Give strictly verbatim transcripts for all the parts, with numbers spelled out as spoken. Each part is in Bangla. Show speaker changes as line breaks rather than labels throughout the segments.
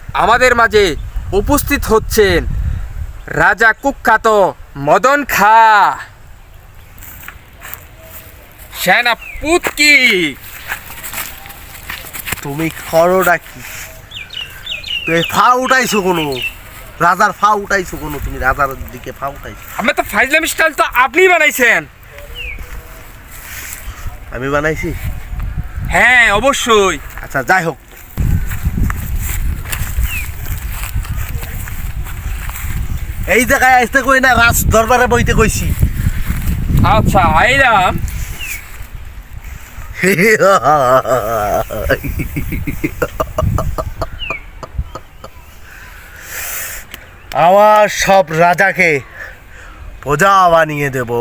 আমাদের মাঝে উপস্থিত হচ্ছেন রাজা কুখ্যাত মদন খা সেনাপতি।
তুমি খরোটা কি? তুই ফা উঠাইছো কোনো রাজার ফা উঠাইছো কোনো? তুমি রাজার দিকে ফা উঠাইছো?
আমি তো ফাইজলাম স্টাইল তো আপনি বানাইছেন।
আমি বানাইছি?
হ্যাঁ অবশ্যই।
আচ্ছা যাই হোক, এই জায়গায় আসতে কই না, রাজ দরবারে বইতে কইছি।
আচ্ছা আইলাম।
আমার সব রাজাকে প্রজা বানিয়ে দেব।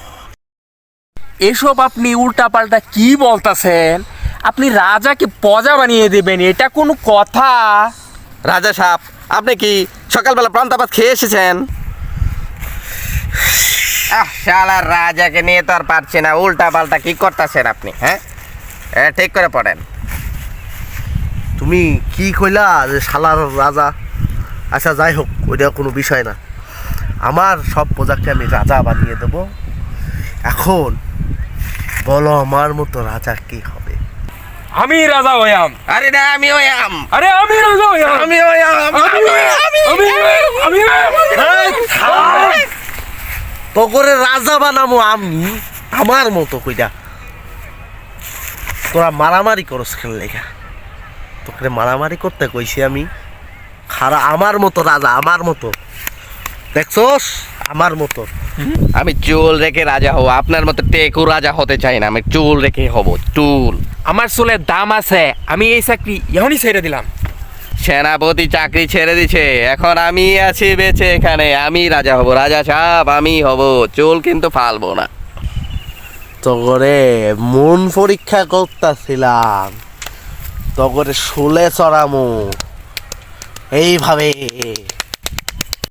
এসব আপনি উল্টাপাল্টা কি বলতাছেন? আপনি রাজাকে প্রজা বানিয়ে দেবেন, এটা কোনো কথা?
রাজা সাহেব, আপনি কি সকালবেলা প্রান্তাপাত খেয়ে এসেছেন? আহ শালা, রাজাকে নিয়ে তো আর পারছি না, উল্টা পাল্টা কি করতেছেন আপনি? হ্যাঁ, এ ঠিক করে পড়েন।
তুমি কি কইলা যে শালার রাজা? আচ্ছা যাই হোক, ওইটা কোনো বিষয় না। আমার সব প্রজাকে আমি রাজা বানিয়ে দেব। এখন বলো, আমার মতো রাজা কি হবে?
আমি রাজা হইয়াম।
আরে না, আমি ওই আম
আরে আমি রাজা হইয়াম।
আমি ওই আম
আমি আমি
তো করে রাজা বানাবো আমি আমার মতো কইরা। তোরা মারামারি করস খেল লেখা, তোকে মারামারি করতে কইছি আমি। খারা আমার মতো রাজা, আমার মতো, দেখছস আমার মতো।
আমি চুল রেখে রাজা হব, আপনার মতো টেকু রাজা হতে চাই না। আমি চুল রেখে হব, চুল।
আমার চুলের দাম আছে, আমি এই চাকরি এখনই ছেড়ে দিলাম।
সেনাপতি চাকরি ছেড়ে দিছে, এখন আমি আছি বেঁচে এখানে, আমি রাজা হব। রাজা সাহেব আমি হব, চুল কিন্তু ফালবো না।
তো করে মন পরীক্ষা করতেছিলাম, তো করে শুলে চড়ামু এইভাবে।